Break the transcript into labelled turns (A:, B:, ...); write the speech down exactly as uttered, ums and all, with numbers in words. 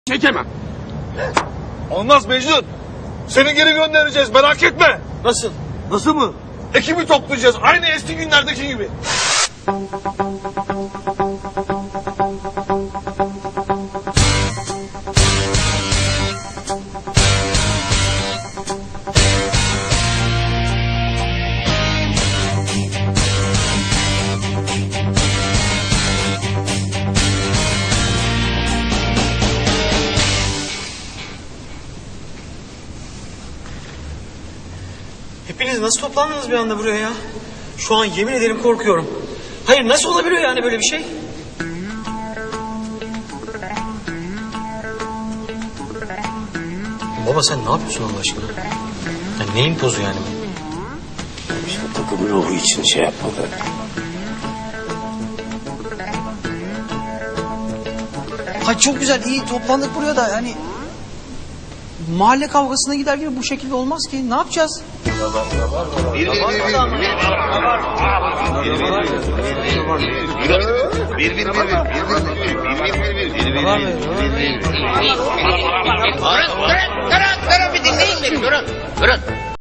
A: çekemem.
B: Olmaz Mecnun. Seni geri göndereceğiz, merak etme.
C: Nasıl? Nasıl mı?
B: Ekibi toplayacağız aynı eski günlerdeki gibi.
C: Hepiniz nasıl toplandınız bir anda buraya ya? Şu an yemin ederim korkuyorum. Hayır, nasıl olabiliyor yani böyle bir şey? Baba sen ne yapıyorsun Allah aşkına? Ya neyin pozu yani bu?
D: İşte takım ruhu için şey yapmadı.
E: Ha çok güzel, iyi toplandık buraya da yani mahalle kavgasına gider gibi bu şekilde olmaz ki. Ne yapacağız?
F: Durun, durun, durun, durun bir dinleyin beni, durun, durun.